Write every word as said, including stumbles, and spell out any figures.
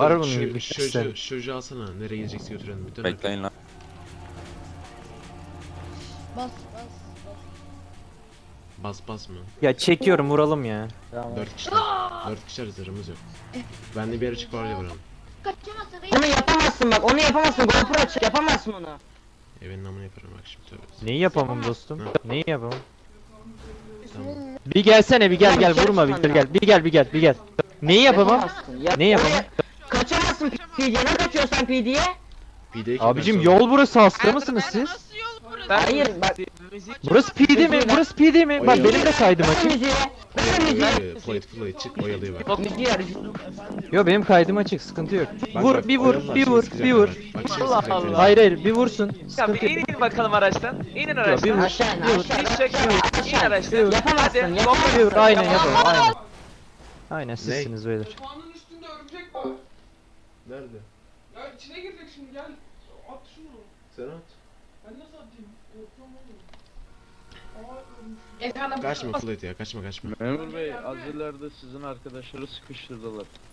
Var bunun Şu, gibi şu, testler. şu, şu çocuğu alsana. Nereye gidecekse götürelim. Bir dön Bekleyin lan. Bas bas bas. Bas bas mı? Ya çekiyorum vuralım ya. Tamam. Dört kişiler. Dört kişiler zırhımız yok. Ben de bir yere çık var ya buranın. Kaçamazsın reis. Onu yapamazsın bak, onu yapamazsın. GoPro aç, yapamazsın onu. Evin namını yaparım bak şimdi tövbe. Neyi yapamam dostum? Ha. Neyi yapamam? Tamam. Bir gelsene bir gel gel vurma bir gel bir gel bir gel bir gel. Neyi yapamam? Yapamazsın. Yap- Ne yapamam? onu- Kaçamazsın P D'ye, ne kaçıyorsan P D'ye? P D'ye kim Abicim verse yol burası hasta mısınız siz? Hayır bak, Burası P D mi? Burası P D mi? Bak Oy, benim de kaydım ver açık. müziği, ver müziği. Oyalıyor, Plate plate çık oyalıyor bak. Müziği ver. Yo benim kaydım açık sıkıntı yok. Bak, Vur bak, bir vur oyalıyorlar, bir şimdi vur sıkacaklar bir vur. bak. Bak şimdi Allah sıkacaklar. Allah. Hayır hayır bir vursun. Ya bir Sıkıntı yok. inin bakalım araçtan. İnin araçtan. bir vur. Aşağı in, Bir vur. aşağı in. Diz çök. İn Aşağı in. araçtan. Yapamazsın, Hadi. yapamazsın. Bir vur aynen yapalım aynen. Aynen sizsiniz beyler. Yatağının üstünde örümcek var. Nerede? Ya içine girecek şimdi gel. At şunu. Sen at. Ben nasıl atayım? Korkuyorum oğlum. Aa ölmüş. Kaçma Plate ya kaçma kaçma. Memur Bey, az ileride sizin arkadaşları sıkıştırdılar.